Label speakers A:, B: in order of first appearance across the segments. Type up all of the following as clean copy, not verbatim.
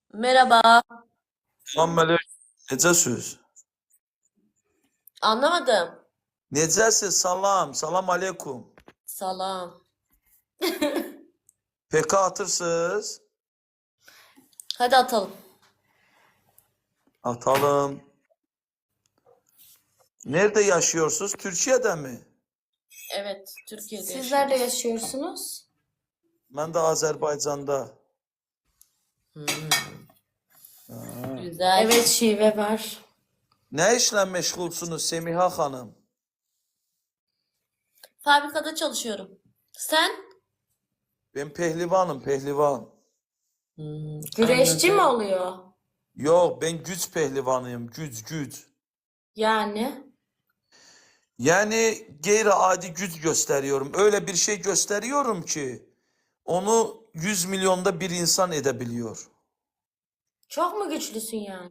A: Merhaba.
B: Selamünaleyküm. Necəsiz?
A: Anlamadım.
B: Necəsiz? Salam. Salam aleykum.
A: Salam.
B: PK atırsınız.
A: Hadi atalım.
B: Atalım. Nerede yaşıyorsunuz? Türkiye'de mi?
A: Evet, Türkiye'de
C: Siz nerede
A: yaşıyoruz.
C: yaşıyorsunuz?
B: Ben de Azerbaycan'da.
A: Güzel.
C: Evet, şive var.
B: Ne işle meşgulsunuz Semiha Hanım?
A: Fabrikada çalışıyorum. Sen?
B: Ben pehlivanım, pehlivan.
C: Güreşçi mi
A: Anladım.
C: oluyor?
B: Yok, ben güç pehlivanıyım. Güç.
C: Yani
B: Yani gayri-adi güç gösteriyorum. Öyle bir şey gösteriyorum ki onu 100 milyonda bir insan edebiliyor.
C: çok mu güçlüsün yani?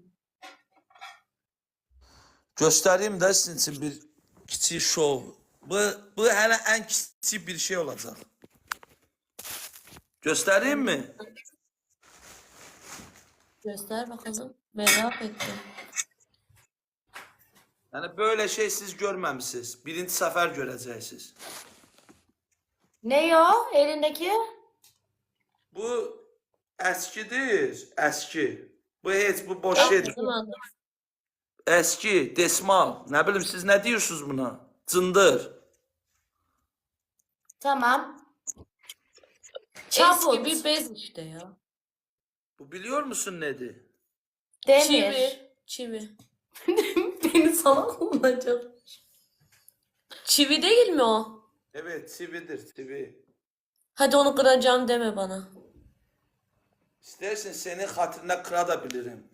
B: Göstereyim de sizin için bir kiçik şov. Bu hele en kiçik bir şey olacak. Göstereyim mi?
A: Göster bakalım. Merak ettim.
B: Yani böyle şey siz görmemişsiniz. Birinci sefer göreceksiniz.
C: Ne o elindeki?
B: Bu eskidir, eski. Bu hiç, bu boş
A: Çok
B: şeydir.
A: uzun adı.
B: Eski, desmal. Ne bileyim siz ne diyorsunuz buna? Cındır.
C: Tamam.
A: Eski
C: Çaput.
A: bir bez işte ya.
B: Bu biliyor musun nedir?
C: Demir.
A: Çivi.
C: Beni salak mı bulacak?
A: Çivi değil mi o?
B: Evet, çividir, çivi.
A: Hadi onu kıracağım deme bana.
B: İstersen senin hatırına kırabilirim.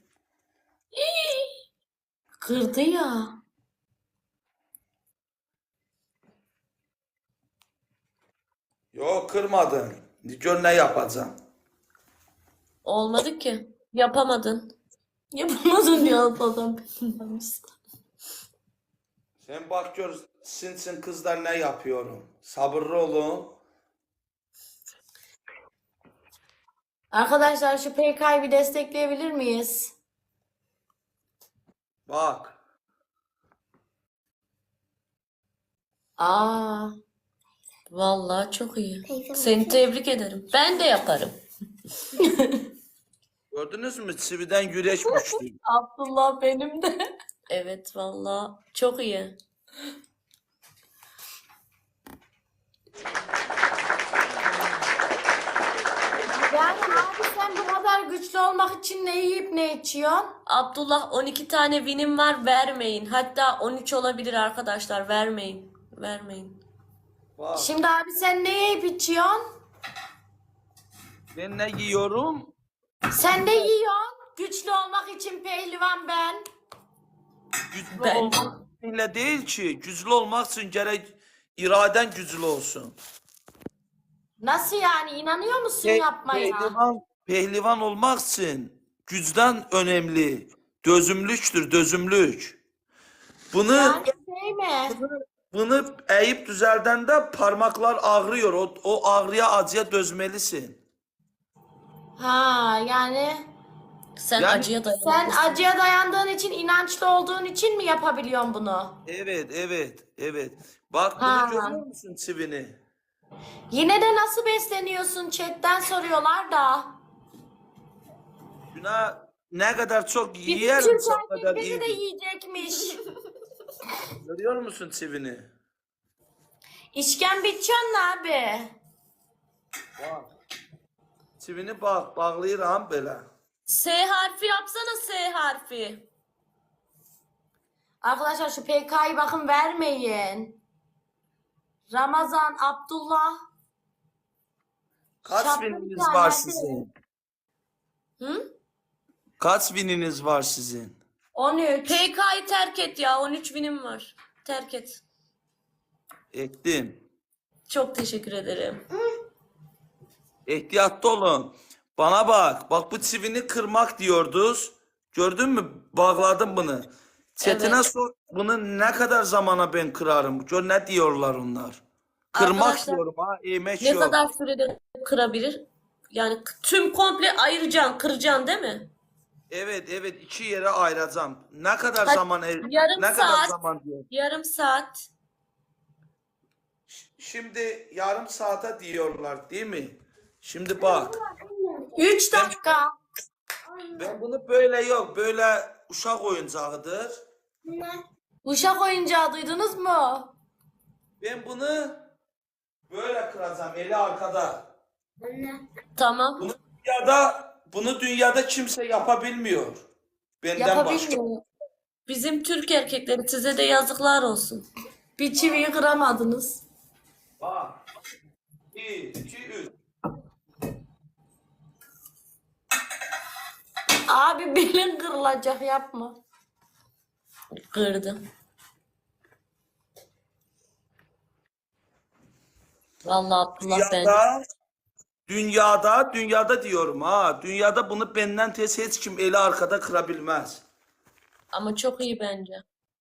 C: Kırdı ya.
B: Yok kırmadın. Gör ne yapacağım.
A: Olmadı ki. Yapamadın.
C: Yapamadın ya adam.
B: Sen bak gör sizin kızlar ne yapıyorum. Sabırlı olun.
C: Arkadaşlar şu PK'yı bir destekleyebilir miyiz?
B: Bak.
C: Aa.
A: Vallahi çok iyi. Seni tebrik ederim. Ben de yaparım.
B: Gördünüz mü? Çividen güreş güçlü.
C: Abdullah benim de.
A: Evet vallahi çok iyi.
C: Yani abi sen bu kadar güçlü olmak için ne yiyip ne içiyorsun?
A: Abdullah 12 tane winim var, vermeyin. Hatta 13 olabilir arkadaşlar, vermeyin. Vermeyin.
B: Bak.
C: Şimdi abi sen ne yiyip içiyorsun?
B: Ben ne yiyorum?
C: Sen ne yiyorsun? Güçlü olmak için pehlivan ben.
B: Güçlü
A: Ben-
B: olmak ile değil ki. Güçlü olmak için gerek iraden güçlü olsun.
C: Nasıl yani? İnanıyor musun
B: Pe-
C: yapmaya?
B: Pehlivan olmak için güçten önemli. Dözümlüktür, dözümlük. Bunu
C: Yani şey mi?
B: bunu eğip düzeldende parmaklar ağrıyor. O ağrıya acıya dözmelisin.
C: Ha yani
A: Sen
B: Yani
A: acıya
C: sen
A: dayanamazsın.
C: acıya dayandığın için, inançlı olduğun için mi yapabiliyorsun bunu?
B: Evet. Bak
C: Ha.
B: bunu görüyor musun çivini?
C: Yine de nasıl besleniyorsun? Chatten soruyorlar da.
B: Şuna ne kadar çok
C: Bizim
B: yiyelim
C: Türk
B: o kadar
C: erkekleri de
B: iyi.
C: yiyecekmiş.
B: Görüyor musun çivini?
C: İşkembe içiyorsun abi.
B: Bak. Çivini bak, bağlayıram böyle.
A: S harfi yapsana, S harfi.
C: Arkadaşlar şu PK'yı bakın vermeyin. Ramazan, Abdullah.
B: Kaç
C: Şapka
B: bininiz
C: bir tane,
B: var
C: hadi.
B: sizin?
A: Hı?
B: Kaç bininiz var sizin?
C: 13.
A: PK'yı terk et ya, 13 winim var. Terk et.
B: Ettim.
A: Çok teşekkür ederim.
B: Ehtiyatlı olun. Bana bak. Bak bu çivini kırmak diyorduz. Gördün mü? Bağladım bunu. Çetine
A: Evet.
B: sor. Bunu ne kadar zamana ben kırarım? Gör ne diyorlar onlar. Kırmak
A: Arkadaşlar,
B: diyorum ha. Eğmek
A: Ne
B: yok.
A: kadar sürede kırabilir? Yani tüm komple ayıracaksın, kıracaksın değil mi?
B: Evet evet, iki yere ayıracağım. Ne kadar
A: Hadi,
B: zaman
A: yarım
B: ne kadar
A: saat.
B: zaman diyor.
A: Yarım saat.
B: Şimdi yarım saate diyorlar değil mi? Şimdi bak.
C: 3
B: Ben,
C: dakika.
B: ben bunu böyle yok. Böyle uşak oyuncağıdır.
C: Uşak oyuncağı duydunuz mu?
B: Ben bunu böyle kıracağım. Eli arkada.
A: Tamam.
B: Bunu dünyada kimse yapabilmiyor. Benden başka.
C: Yapabilmiyor.
A: Bizim Türk erkekleri size de yazıklar olsun.
C: Bir çiviyi kıramadınız.
B: Bak. 1, 2, 3.
C: Abi belin kırılacak yapma.
A: Kırdım. Vallahi Abdullah ben.
B: Dünyada diyorum ha. Dünyada bunu benden tez hiç kim eli arkada kırabilmez.
A: Ama çok iyi bence.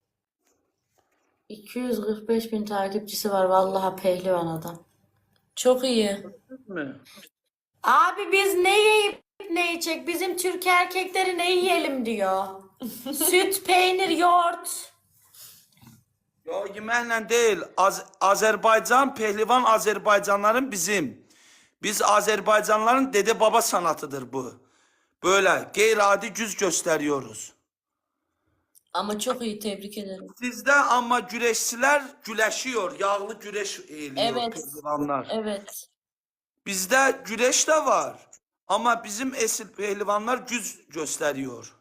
C: 245 bin takipçisi var vallahi pehlivan adam.
A: Çok iyi.
B: Mi?
C: Abi biz ne yiyip ne yiyecek? Bizim Türk erkekleri ne yiyelim diyor. Süt, peynir, yoğurt.
B: Ya yeməklə değil. Azerbaycan, pehlivan Azerbaycanların bizim. Biz Azerbaycanların dede baba sanatıdır bu. Böyle gayri-adi güc gösteriyoruz.
A: Ama çok iyi, tebrik ederim.
B: Sizde ama güreşçiler güleşiyor. Yağlı güreş eğiliyor
A: Evet.
B: pehlivanlar.
A: Evet.
B: Bizde güreş de var. Ama bizim esil pehlivanlar güc gösteriyor.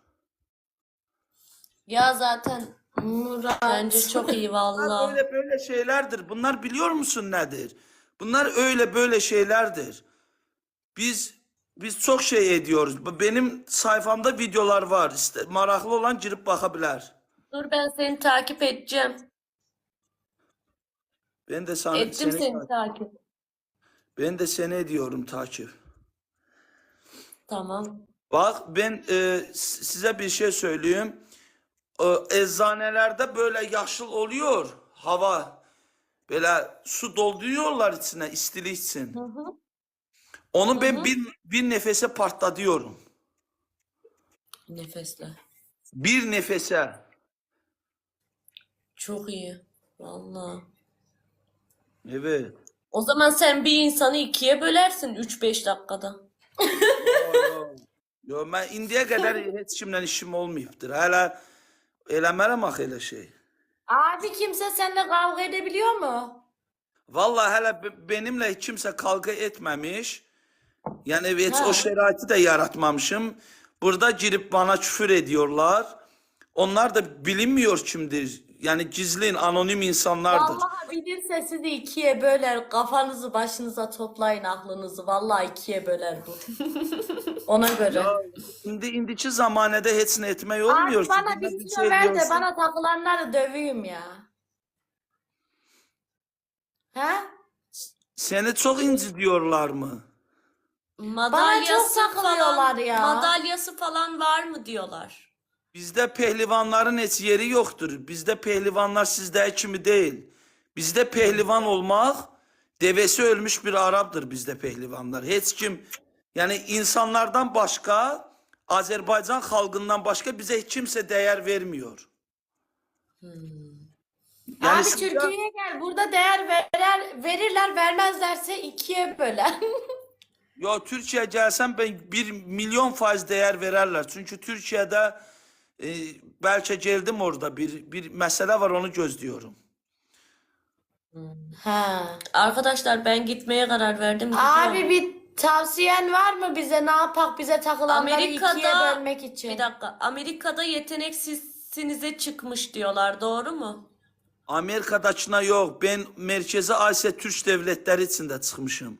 C: Ya zaten Murat.
A: Bence çok iyi
B: Bunlar
A: vallahi.
B: böyle şeylerdir. Bunlar biliyor musun nedir? Bunlar öyle şeylerdir. Biz çok şey ediyoruz. Benim sayfamda videolar var. İşte maraklı olan girip bakabilir.
A: Dur ben seni takip edeceğim.
B: Ben de sana,
A: Ettim seni takip.
B: ben de seni ediyorum takip.
A: Tamam.
B: Bak ben size bir şey söyleyeyim. Eczanelerde böyle yaşıl oluyor hava. Böyle su dolduruyorlar içine istili için.
A: Hı hı.
B: Onu ben bir nefese patlatıyorum.
A: Nefesle.
B: Bir nefese.
A: Çok iyi. Vallahi.
B: Evet.
A: O zaman sen bir insanı ikiye bölersin 3-5 dakikada.
B: Yo, ben indiye kadar hiç kimle işim olmayıptır. Hala eləmərəm axı elə şey.
C: Abi kimse seninle kavga edebiliyor mu?
B: Vallahi hala benimle kimse kavga etmemiş. Yani hiç
C: Ha.
B: o şəraiti de yaratmamışım. Burada girip bana küfür ediyorlar. Onlar da bilinmiyor kimdir. Yani gizlin, anonim insanlardır.
C: Vallahi bilirse sizi ikiye böler. Kafanızı başınıza toplayın aklınızı. Vallahi ikiye böler bu. Ona göre.
B: Ya, indiki zamanədə heç nə etmək olmuyor.
C: Abi bana
B: Kimdən
C: bir kilo ver de
B: diyorsun.
C: bana takılanları döveyim ya. He?
B: Seni çok incitiyorlar mı?
A: Madalyası
C: takılıyorlar ya.
A: Madalyası falan var mı diyorlar.
B: Bizde pehlivanların heç yeri yoktur. Bizde pehlivanlar sizde kimi değil. Bizde pehlivan olmak devesi ölmüş bir Arap'tır bizde pehlivanlar. Heç kim yani insanlardan başka Azerbaycan halkından başka bize hiç kimse değer vermiyor. Yani
C: Abi
B: siz-
C: Türkiye'ye gel. Burada değer verirler vermezlerse ikiye böler.
B: Ya Türkiye gelsem ben 1.000.000% değer vererler. Çünkü Türkiye'de belki geldim orada bir mesele var onu gözlüyorum.
C: Ha.
A: Arkadaşlar ben gitmeye karar verdim.
C: Abi
A: Gidiyorum.
C: bir tavsiyen var mı bize? Ne yapak bize takılanları ikiye
A: Amerika'da
C: bölmek için?
A: bir dakika. Amerika'da yeteneksizsinize çıkmış diyorlar. Doğru mu?
B: Amerika'dakına yok. Ben Merkezi Asya Türk devletleri içinde çıkmışım.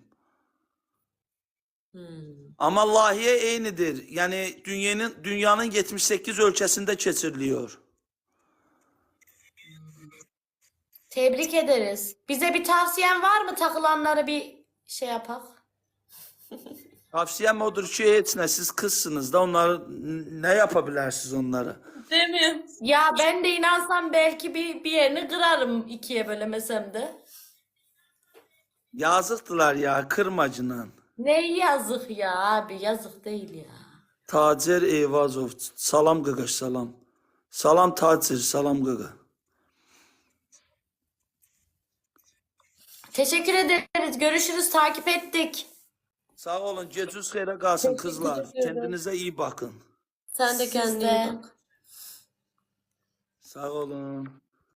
B: Ama lahiye eynidir. Yani dünyanın 78 ölkəsində keçiriliyor.
C: Tebrik ederiz. Bize bir tavsiyen var mı? Takılanları bir şey yapak.
B: Tavsiyem odur ki heç nə siz kızsınız da onları ne yapabilirsiniz onları?
A: Değil mi?
C: Ya ben de inansam belki bir yerini kırarım ikiye bölemesem de.
B: Yazıktılar ya kırmacınan.
C: Ne yazık ya abi yazık değil ya.
B: Tacer Eyvazov. Salam qaqaş, salam. Salam Tacer, salam qaqa.
C: Teşekkür ederiz. Görüşürüz. Takip ettik.
B: Sağ olun. Geciniz xeyrə qalsın kızlar.
A: ederim.
B: Kendinize iyi bakın.
A: Sen de
C: Siz
A: kendine
C: de.
A: iyi bak.
B: Sağ olun.